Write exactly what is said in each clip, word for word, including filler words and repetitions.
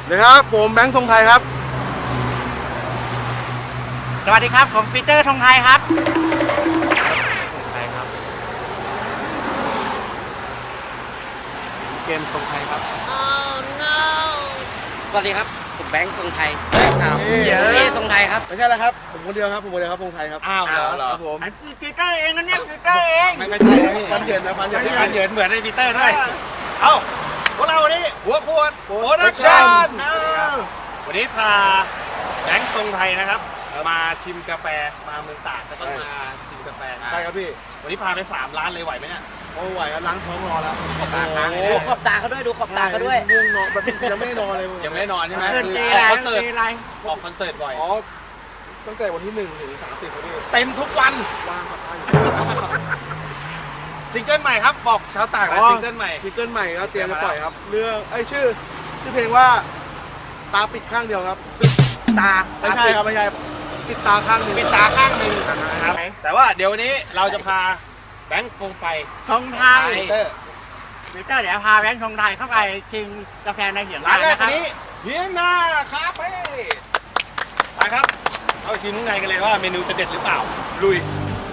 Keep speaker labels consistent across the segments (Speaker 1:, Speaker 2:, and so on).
Speaker 1: นะครับผมแบงค์ทรงไทยครับ
Speaker 2: สวัสดีครับผมปีเตอร์ธงไทยครับ
Speaker 1: ทรงไทยครับเกมทรงไทยครับ
Speaker 3: oh no
Speaker 2: สวัสดีครับผมแบงค์ทรงไทย
Speaker 1: เฮ้ย
Speaker 2: เยอะทรงไทยครับ
Speaker 1: ไม่ใช่แล้วครับผมคนเดียวครับผมคนเดียวครับทรงไทยครับ
Speaker 2: อ้าวเหรอ
Speaker 1: ครับผม
Speaker 2: ปีเตอร์เองนะเนี่ยปีเตอร์เอง
Speaker 1: ไม่ไม่ใช่นะพี่ฟันเหยินนะฟันเหยิน
Speaker 2: ฟันเหยินเหมือนในปีเตอร์ด้วยเอ้าพวกเราวันนี้หัวขวดโปรดักชั่นวันนี้พาแบงค์ทรงไทยนะครับมาชิมกาแฟมาเมืองตากก็ต้องมาชิมกาแฟ
Speaker 1: ใช่ครับพี่
Speaker 2: วันนี้พาไปสามร้านเลยไหวไหมเนี่ย
Speaker 1: โอ้ไหวครับล้างท้องรอแล้ว
Speaker 2: ขอบตาค้างเลย
Speaker 3: ดูขอบตาเขาด้วยดูขอบตาเขาด้วย
Speaker 1: ง่วงนอนแบบยังไม่ได้นอนเลย
Speaker 2: ยังไม่ได้นอนใช่ไหม
Speaker 3: เกิน
Speaker 2: คือ
Speaker 3: เจ
Speaker 2: อ
Speaker 3: ไร
Speaker 2: อกคอนเสิร์ต
Speaker 3: เจไร
Speaker 2: ออกคอนเสิร์ตบ่อย
Speaker 1: อ๋อตั้งแต่วันที่หนึ่งถึงสามสิบครับพี่
Speaker 2: เต็มทุกวัน
Speaker 1: ว่างครับว่างอยู่
Speaker 2: ซิงเกิลใหม่ครับบอกชาวต่างนะ
Speaker 1: อ๋อ
Speaker 2: ซิงเกิลใหม่
Speaker 1: ซิงเกิลใหม่ครับเตรียมจะปล่อยครับเรื่องไอ้ยชื่อชื่อเพลงว่าตาปิดข้างเดียวครับ
Speaker 2: ตา
Speaker 1: ไม่ใช่ครับไม่ใช่ปิดตาข้างหนึ่ง
Speaker 2: ปิดตาข้างหนึ่งนะครับแต่ว่าเดี๋ยววันนี้เราจะพาแบงค์โฟมไฟ
Speaker 3: ธงไทย
Speaker 2: เตอร์
Speaker 3: ปีเตอร์เดี๋ยวพาแบงค์ธงไทยเข้าไปชิมกาแฟในเหียง
Speaker 2: ร้า
Speaker 3: ร้าน น
Speaker 2: แรก
Speaker 3: นะค
Speaker 2: วั
Speaker 3: รับ
Speaker 2: นนี้เทียงนาคาเฟ่ไปครับเข้าไปชิมข้างในกันเลยว่าเมนูจะเด็ดหรือเปล่าลุย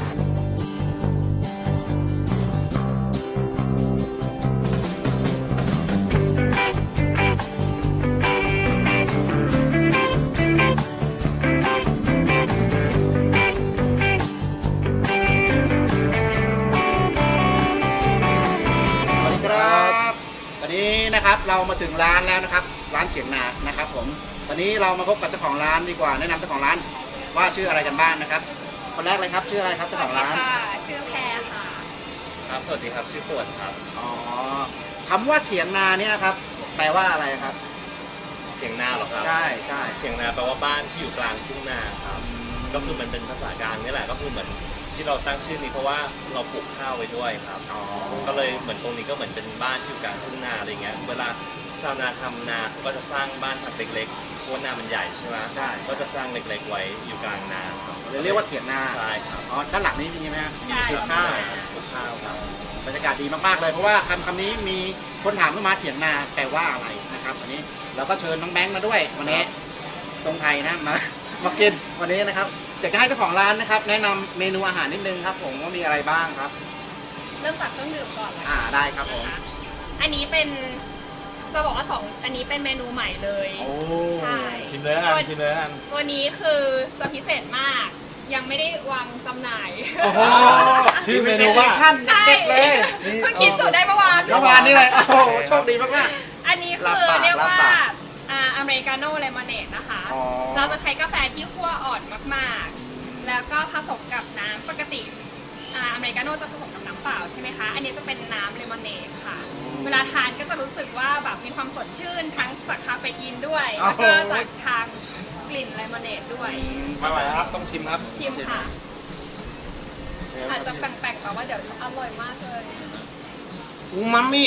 Speaker 3: ครับวันนี้นะครับเรามาถึงร้านแล้วนะครับร้านเฉียงนานะครับผมวันนี้เรามาพบกับเจ้าของร้านดีกว่าแนะนำเจ้าของร้านว่าชื่ออะไรกันบ้างนะครับคนแรกเลยครับชื่ออะไรครับเจ้าของร้าน
Speaker 4: ค่ะชื่อแพรค่ะ
Speaker 2: ครับสวัสดีครับชื่อปวดครับ
Speaker 3: อ๋อคำว่าเฉียงนาเนี่ยนะครับแปลว่าอะไรครับ
Speaker 5: เถียงนาเหรอครับ
Speaker 3: ใช่ใช่
Speaker 5: เถียงนาแปลว่าบ้านที่อยู่กลางทุ่งนาครับก็คือมันเป็นภาษากลางนี่แหละก็คือเหมือนที่เราตั้งชื่อนี้เพราะว่าเราปลูกข้าวไว้ด้วยครับ
Speaker 3: อ๋อ
Speaker 5: ก็เลยเหมือนตรงนี้ก็เหมือนเป็นบ้านที่อยู่กลางทุ่งนาอะไรเงี้ยเวลาชาวนาทำนาเขาก็จะสร้างบ้านทำเล็กๆเพราะว่านามันใหญ่ใช่ไหม
Speaker 3: ใช่
Speaker 5: ก็จะสร้างเล็กๆไว้อยู่กลางนาครับ
Speaker 3: เลยเรียกว่าเถียงนา
Speaker 5: ใช่ครับ
Speaker 3: อ๋อด้านหลังนี้มีไหมฮะ
Speaker 4: ใช่
Speaker 3: ปลูกข้าว
Speaker 5: ปลูกข้าวครับ
Speaker 3: บรรยากาศดีมากๆเลยเพราะว่าคำคำนี้มีคนถามเข้ามาเถียงนาแปลว่าอะไรนะครับวันนี้เราก็เชิญน้องแบงค์มาด้วยวันนี้ตรงไทยนะมามากินวันนี้นะครับอยากจะให้เจ้าของร้านนะครับ แนะนำเมนูอาหารนิดนึงครับ ผมว่ามีอะไรบ้างครับ
Speaker 4: เริ่มจากเครื่องดื่มก่อนเลย
Speaker 3: อ่าได้ครับผม
Speaker 4: นะคะอันนี้เป็นจะบอกว่าสองอันนี้เป็นเมนูใหม่เลย
Speaker 3: โอ้
Speaker 4: ใช่
Speaker 2: ชิมเลยอันชิมเลยอัน
Speaker 4: ตัวนี้คือจะพิเศษมาก ยังไม่ได้วางจำหน่าย
Speaker 3: โอ้โห
Speaker 2: ชื่อเมนูว่า
Speaker 3: ชั่น
Speaker 4: ใช่
Speaker 3: เด็ดๆเลย
Speaker 4: เพิ่งคิดสูตรได้เมื่อวาน
Speaker 3: เมื่อวานนี่เลยโอ้โหโชคดีมาก
Speaker 4: อันนี้คือ
Speaker 3: ลาบปาก
Speaker 4: เรียกว่า
Speaker 3: ลาบปาก
Speaker 4: อ่าอเมริกาโน่เลมอนเนดนะคะ
Speaker 3: อ๋อ
Speaker 4: เราจะใช้กาแฟที่คั่วอ่อนมากๆ แล้วก็ผสมกับน้ำปกติอ่าอเมริกาโน่จะผสมกับน้ำเปล่าใช่ไหมคะ อันนี้จะเป็นน้ำเลมอนเนดค่ะ เวลาทานก็จะรู้สึกว่าแบบมีความสดชื่นทั้งจากคาเฟอีนด้วย แล้วก็จากทางกลิ่นเลมอนเนดด้วย
Speaker 2: มาใหม่ครับต้องชิมครับ
Speaker 4: ชิมค่ะ อาจจะแปลกๆแต่ว่าเดี๋ยวจะอร่อยมากเลย
Speaker 2: อูมามิ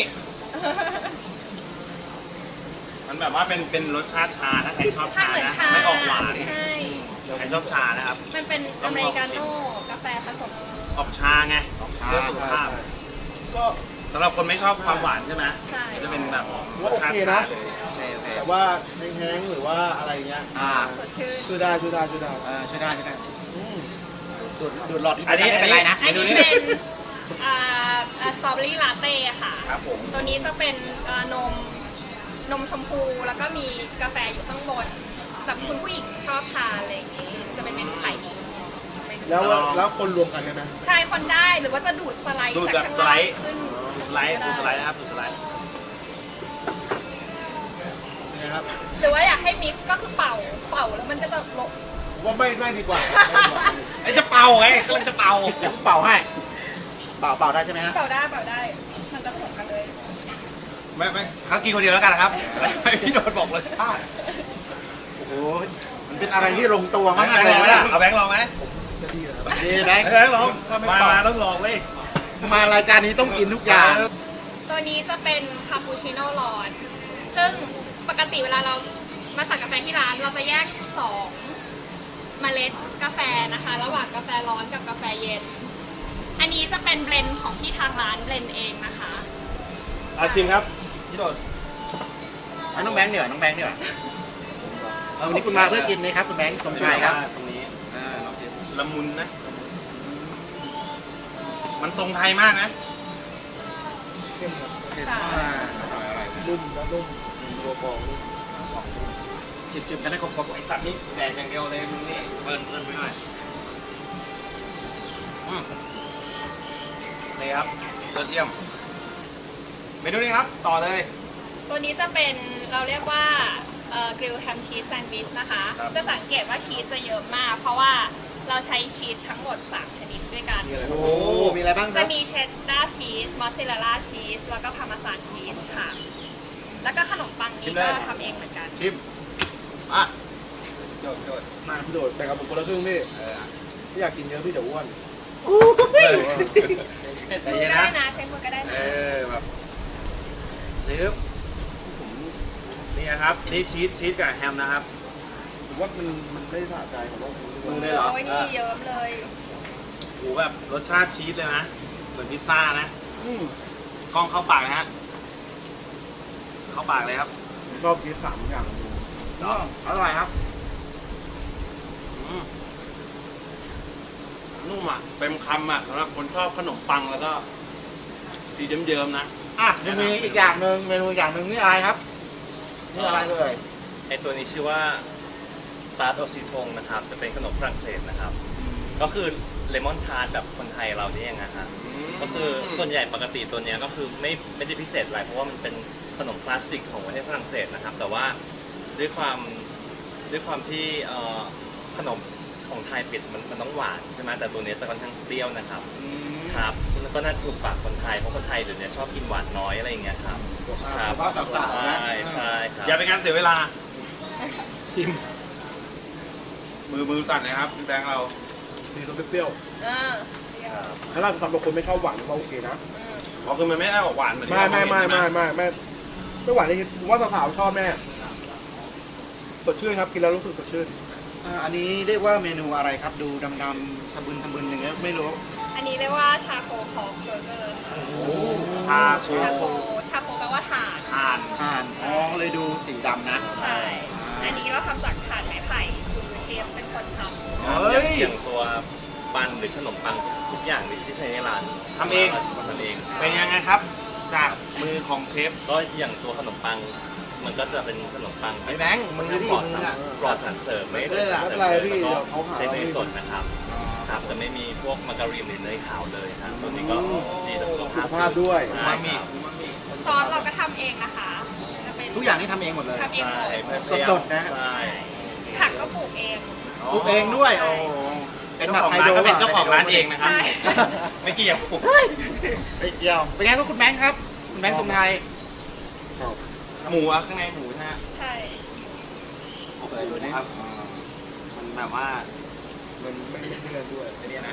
Speaker 2: มันแบบว่าเป็นเป็นรสชาติชาถ้าใครชอบ
Speaker 4: ใช่
Speaker 2: ชา
Speaker 4: เหมือน
Speaker 2: นะ
Speaker 4: ชา
Speaker 2: ไม่ออกหวาน
Speaker 4: ใช่
Speaker 2: ใครชอบชานะครับ
Speaker 4: มันเป็นอเมริกาโน่กาแฟผสม
Speaker 2: ออกชาไง
Speaker 3: ๆของชา
Speaker 2: เพื่อสุขภาพก็สำหรับคนไม่ชอบความหวานใช่ไหม
Speaker 4: ใช่
Speaker 2: จะเป็นแบบร
Speaker 1: ว่า
Speaker 2: ส
Speaker 1: โอ
Speaker 2: ชาติ
Speaker 1: เค
Speaker 2: ชา
Speaker 1: นะ
Speaker 2: เลย
Speaker 3: โอเคโอเค
Speaker 1: แต่ว่าแห้งๆหรือว่าอะไรเงี้ย
Speaker 3: อ่า
Speaker 4: สดชื่น
Speaker 1: ช่วยได้ช่วยได้ช่วยได้
Speaker 3: เออช่วยได้ช่วยได้
Speaker 1: อืม
Speaker 3: ดูดดูดหลอด
Speaker 2: อันนี้
Speaker 3: ไม่เป็นไรนะ
Speaker 4: อันนี้เป็นอ่าสตรอเบอรี่ลาเต้ค่ะ
Speaker 2: ครับผม
Speaker 4: ตัวนี้จะเป็นอ่านมนมชมพูแล้วก็มีกาแฟอยู่ข้างบนแบบคุณผู้หญิงชอบทานอะไรอย่างงี้จะเป็นเมนูไข่
Speaker 1: แล้วแล้วคนรวมกันได้ไหม
Speaker 4: ใช่คนได้หรือว่าจะดูดสไลด์
Speaker 2: ดูด
Speaker 4: จาก
Speaker 2: แบบ
Speaker 4: ข้าง
Speaker 2: สไล
Speaker 4: ล่าง
Speaker 2: ด์
Speaker 4: ขึ้น
Speaker 2: ดูสไลด์ดูสไลด์นะครับดูสไลด์
Speaker 1: ยังไงครับ
Speaker 4: หรือว่าอยากให้มิกซ์ก็คือเป่าเป่าแล้วมันก็จะลง
Speaker 1: ผมว่าไม่ไม่ดีกว่า
Speaker 2: ไอ้จะเป่าไงกำลังจะเป่า
Speaker 3: เดี๋ยวผมเป่าให้เป่าเป่าได้ใช่ไหมฮะ
Speaker 4: เป่าได้เป่าได้ มันจะผสมกันเลย
Speaker 2: ไม่ไม่เขากินคนเดียวแล้วกันนะครับให้พี่โดนบอกรสชาติ
Speaker 3: โอ้โหมันเป็นอะไรที่ลงตัว
Speaker 2: แบ
Speaker 3: มาง ก
Speaker 2: ค์
Speaker 3: เล
Speaker 2: ล
Speaker 3: ย
Speaker 2: องไหม
Speaker 3: นะ
Speaker 2: เอาแบงค์ลองไหม
Speaker 3: นี่แบงค์
Speaker 2: แบงค์ลองมามาต้องลองเว้ย
Speaker 3: มารายการนี้ต้องกินทุกอย่าง
Speaker 4: ตัวนี้จะเป็นคาปูชิโน่ร้อน ซึ่งปกติเวลาเรามาสั่งกาแฟที่ร้านเราจะแยกสองเมล็ดกาแฟนะคะ ระหว่างกาแฟร้อนกับกาแฟเย็น อันนี้จะเป็นเบลนด์ของที่ทางร้านเบลนด์เองนะคะ
Speaker 2: อาชิมครับพี่โดด
Speaker 3: อให้น้องแบงค์เดี๋ยวน้องแบงค์เดี๋ยวเอาวันนี้คุณมาเพื่อกินนี่ครับคุณแบงค์สมชายครับ
Speaker 2: ตรงนี้
Speaker 3: อ่าลองชิม
Speaker 2: ละมุนนะ มันทรงไทยมากนะ
Speaker 1: เข้มครับ
Speaker 4: ค่ะ
Speaker 3: อ่าอร่อยอร่อย
Speaker 1: นุ่มนะนุ่มตัวฟองนุ่ม
Speaker 3: ชิมชิมกันให้ครบครบ
Speaker 2: ไอสัตว์นี่แดกอย่างเดียวเลยมึงนี่เบิร์นเบิร์นไปหน่อยอืมนี่ครับยอดเยี่ยมเมนูนี้ครับ ต่อเลย
Speaker 4: ตัวนี้จะเป็นเราเรียกว่า กริลแฮมชีสแซนด์วิชนะคะ
Speaker 2: ครับ
Speaker 4: จะสังเกตว่าชีสจะเยอะมาก เพราะว่าเราใช้ชีสทั้งหมด สาม ชนิดด้วยกัน
Speaker 3: โอ้โหมีอะไรบ้างค
Speaker 4: จะ
Speaker 3: รับ
Speaker 4: มีเชดดาร์ชีส มอสซาเรลล่าชีส แล้วก็พาร์เมซานชีสค่ะ แล้วก็ขนมปัง
Speaker 2: ชิ
Speaker 4: นี้
Speaker 2: มได้
Speaker 4: ก็ทำเองเหมือนกัน
Speaker 2: ชิมอ่ะโดดโดด
Speaker 1: มาพี่โดดแต่กับผมคนละครึ่งพี่
Speaker 2: เออ
Speaker 1: ไม่อยากกินเยอะพี่เดี๋ยวอ้วน
Speaker 2: ใจ
Speaker 4: มือ
Speaker 2: เย็น
Speaker 4: ก็
Speaker 2: นะ
Speaker 4: ได้นะ ใช้มือก็ได้
Speaker 2: เอ
Speaker 4: นะ
Speaker 2: อแบบชิมผมนี่นะครับ นี่ชีสชีสกับแฮมนะครับ
Speaker 1: ผมว่ามันมันไม่สะใจผมว่าผม
Speaker 3: มือเลยเหรอ
Speaker 4: โอ้ยนี่เยิ้มเลย
Speaker 2: โอ้โหแบบรสชาติชีสเลยนะ เหมือนพิซซ่านะ
Speaker 1: อืม
Speaker 2: กล้องเข้าปากนะฮะ เข้าปากเลยครับ
Speaker 1: ผมชอบกินสามอย่างดู
Speaker 3: อ๋ออร่อยครับ
Speaker 2: อืมนุ่มอ่ะเต็มคำอ่ะสำหรับคนชอบขนมปังแล้วก็สีเยิ้มๆนะ
Speaker 3: อ่ะยังมีอีกอย่างหนึ่งเมนูอีกอย่างหนึ่งนี่อะไรครับนี่อะไรเอ่ย
Speaker 5: ไอตัวนี้ชื่อว่าตาร์ตโอซิทงนะครับ จะเป็นขนมฝรั่งเศสนะครับ ก็คือเลมอนทาร์ตแบบคนไทยเราเนี่ยเองนะฮะก็คือส่วนใหญ่ปกติตัวเนี้ยก็คือไม่ไม่ได้พิเศษอะไรเพราะว่ามันเป็นขนมคลาสสิกของประเทศฝรั่งเศสนะครับ แต่ว่าด้วยความด้วยความที่เอ่อขนมของไทยปิดมันมันต้องหวานใช่ไหมแต่ตัวเนี้ยจะค่อนข้างเปรี้ยวนะครับครับแล้วก็น่าจะถูกปากคนไทยเพราะคนไทยเดี๋ยวนี้ชอบกินหวานน้อยอะไรอย่างเงี้ยครับครับ
Speaker 3: ว่าสาวๆนะ
Speaker 5: ใช่ใช่ครับ
Speaker 2: อย่าเป็นการเสียเวลา ชิม มือมือสั่นนะครับพี่แบงค์เรา
Speaker 1: ดีรสเปรี้ยว
Speaker 4: เออเปรี้ยว
Speaker 1: ๆถ้าเราสำหรับคนไม่ชอบหวานก็โอเคนะ
Speaker 4: อืม
Speaker 2: เพราะคือมันไม่ได้ออกหวานเหมือนที่
Speaker 1: ไม่
Speaker 2: เรา
Speaker 1: ไม่ไม่
Speaker 2: เห็น
Speaker 1: ไม่
Speaker 2: ใช่ห
Speaker 1: ไม่ไม่ไม่หวานเลยผมว่าสาวๆชอบแน่สดชื่นครับกินแล้วรู้สึกสดชื่น
Speaker 3: อ่าอันนี้เรียกว่าเมนูอะไรครับ ดูดำๆทะบึนทะบึนอย่างเงี้ยไม่รู้
Speaker 4: อันนี้เรียกว่าชาโคพอกเบอร์เกอร์ค่ะ
Speaker 2: ชาโค
Speaker 4: ชาโคชาโคแปลว่าถ่าน
Speaker 2: ทาน
Speaker 3: อ่านอ๋อเลยดูสีดำนะ
Speaker 4: ใช่ อันนี้เราทำจากถ่านไม้ไผ่คือเชฟเป็นคนทำ
Speaker 5: ครับ
Speaker 2: เฮ้
Speaker 5: อย ย่างอย่างตัวปันหรือขนมปังทุกอย่างที่ใช้ในร้าน
Speaker 2: ทำเอง
Speaker 5: ทำเอง
Speaker 2: เป็นยังไงครับ จากมือของเชฟ
Speaker 5: ก็อย่างตัวขนมปัง มันก็จะเป็นขนมปัง
Speaker 2: ไอ้แบงค์มือที่
Speaker 5: ปลอด
Speaker 2: มื
Speaker 5: สาร
Speaker 2: ออะ
Speaker 5: ปลอดสารเสริมไม่
Speaker 2: เอ
Speaker 5: ใช่
Speaker 2: อ
Speaker 5: สารเสริม
Speaker 1: ไม่เป็นไร
Speaker 5: เลย
Speaker 1: พี่
Speaker 5: แล้วก็
Speaker 1: เขาหา
Speaker 5: ใช้เนยสดนะครับครับจะไม่มีพวกมาการีนหรือเนยขาวเลยครับตัวนี้ก็ดีต่อสุข
Speaker 1: สุ
Speaker 5: ภา
Speaker 1: ข
Speaker 5: พ
Speaker 1: ภาพด้วย
Speaker 5: ใช่
Speaker 2: มามิ
Speaker 5: ครับ
Speaker 2: มามิ
Speaker 4: ซอสเราก็ทำเองนะคะจะเป็น
Speaker 3: ทุกอย่างนี่ทำเองหมดเลย
Speaker 4: ทำเองหม
Speaker 5: ใช่
Speaker 4: ด
Speaker 5: เปรี้ยว
Speaker 3: สดๆนะ
Speaker 5: ใช่
Speaker 4: ผักก็ปลูกเอง
Speaker 3: ปลูกเองด้วยโอ้โหเป็น
Speaker 2: เจ้า
Speaker 3: แบบ
Speaker 2: ของ
Speaker 3: ไฮ
Speaker 2: ร้าน
Speaker 3: โดร
Speaker 2: ก็เป็นเจ้าของร้านเองนะครับ
Speaker 4: ใช่
Speaker 2: ไม่เกี่ยว
Speaker 3: ไปเกี่ยวเป็นไงก็คุณแบงค์ครับ คุณแบงค์สมไทย
Speaker 2: หมูอะข้างในหมูนะฮะ
Speaker 4: ใช่
Speaker 2: โอ้โหครับ มันแบบว่า
Speaker 1: มันไม่ไม่เลี่ยนด้วย
Speaker 2: ไอ้เนี่ยนะ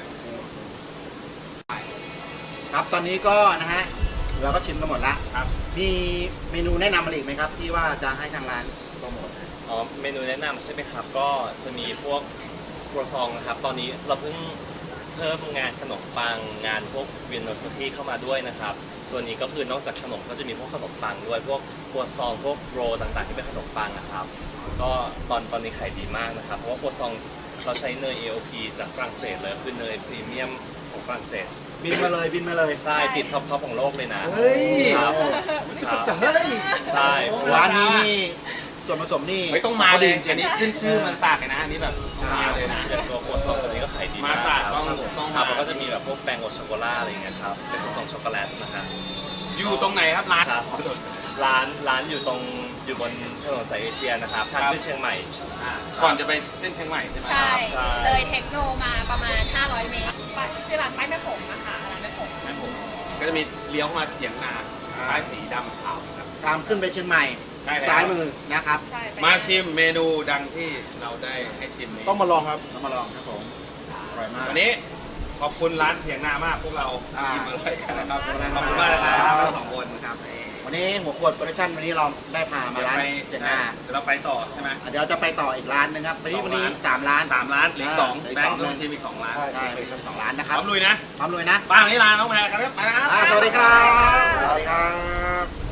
Speaker 3: ครับตอนนี้ก็นะฮะเราก็ชิมกันหมดละ
Speaker 2: ครับ
Speaker 3: มีเมนูแนะนำอะไรอีกไหมครับ ที่ว่าจะให้ทางร้านโปรโมท
Speaker 5: อ๋อเมนูแนะนำใช่ไหมครับ ก็จะมีพวกครัวซองนะครับ ตอนนี้เราเพิ่งเพิ่มงานขนมปังงานพวกเวียนโนสตี้เข้ามาด้วยนะครับ ตัวนี้ก็คือนอกจากขนมก็จะมีพวกขนมปังด้วยพวกครัวซองพวกโรลต่างๆที่เป็นขนมปังนะครับ ก็ตอนตอนนี้ขายดีมากนะครับ เพราะว่าครัวซองเราใช้เนย เอ โอ พี จากฝรั่งเศสเลยคือเนยพรีเมียมของฝรั่งเศส
Speaker 3: บินมาเลยบินมาเลย
Speaker 5: ใช่ติดท็อปท็อปของโลกเลยนะ
Speaker 3: เฮ้ย
Speaker 5: ครับครับ
Speaker 3: จะเฮ้ย
Speaker 5: ใช่
Speaker 3: ร้านนี้นี่ส่วนผสมนี่
Speaker 2: ไม่ต้องมาเลย
Speaker 3: จริ
Speaker 2: อัน
Speaker 3: ง
Speaker 2: นี้ขึ้นชื่อมันตากเลยนะ อันนี้แบบมาเลยนะ
Speaker 5: อย่างตัวครัวซองตัวนี้ก็ขายดีมาก
Speaker 2: มาตราด
Speaker 5: ครับ
Speaker 2: ต้องต้อง
Speaker 5: ครับ
Speaker 2: มา
Speaker 5: แล้วก็จะมีแบบพวกแป้งโอช็อกโกแลตอะไรอย่างเงี้ยครับเป็นครัวซองช็อกโกแลตนะครับ
Speaker 2: อยู่ตรงไหนครับร้าน
Speaker 5: ครับร้านร้านอยู่ตรงอยู่บนถนนสายเอเชียนะครับทางขึ้นเชียงใหม่
Speaker 2: อ่าก่อนจะไปเส้นเชียงใหม่ใช่ไหม
Speaker 4: ใช่
Speaker 5: ใช่
Speaker 4: เลยเทคโนมาประมาณ ห้าร้อย เมตรป้ายชื่อร้านป้ายแม่ผมนะคะร้านแม่ผม
Speaker 2: ครับผมก็จะมีเลี้ยวเข้ามาเฉียงนาป้ายสีดำขาวครับ
Speaker 3: ตามขึ้นไปเชียงใหม่
Speaker 2: ใช่แล้ว
Speaker 3: ซ้ายมือนะครับ
Speaker 4: ใช่ไป
Speaker 2: มาชิมเมนูดังที่เราได้ให้ชิมนี้
Speaker 1: ต้องมาลองครับ
Speaker 3: เรามาลองครับผมอร่อยมาก
Speaker 2: วันนี้ขอบคุณร้านเถียงนามากพวกเรา
Speaker 3: อ่า
Speaker 2: กินมาเลยกันนะครับ
Speaker 3: ขอบคุณ
Speaker 2: ขอบคุณ
Speaker 3: มาม
Speaker 2: าก ก
Speaker 3: นะ
Speaker 2: นะ
Speaker 3: ค
Speaker 2: ค
Speaker 3: รั
Speaker 2: รับ บทั้งสองคน
Speaker 3: ครับวันนี้หัวขวดโปรดักชั่นวันนี้เราได้พามา
Speaker 2: เดี๋ยว
Speaker 3: ร้าน
Speaker 2: ไป
Speaker 3: เจ๋งหน้า
Speaker 2: เดี๋ยวเราไปต่อใช่ไหม
Speaker 3: อ่ะเดี๋ยวจะไปต่ออีกร้านหนึงครับวันนี้
Speaker 2: สอง
Speaker 3: วันนี้
Speaker 2: ร้าน
Speaker 3: สามร้าน
Speaker 2: สามร้านเหลืออกสอง
Speaker 3: อ่า
Speaker 2: แบงค์
Speaker 3: เหลื
Speaker 2: ต้
Speaker 3: อ
Speaker 2: อง
Speaker 3: อีกสอง
Speaker 2: ชิมอีกสองร้าน
Speaker 1: ใช่
Speaker 3: ใช่เป็นสองร้านนะค
Speaker 2: พ
Speaker 3: รับ
Speaker 2: ร้อมลุยนะ
Speaker 3: พร้อมลุยนะ
Speaker 2: ป้าวันนี้ลาน้องแพรกันแล้วไปนะครับ
Speaker 3: อ่าสวัสดีครับ สวัสดีครับ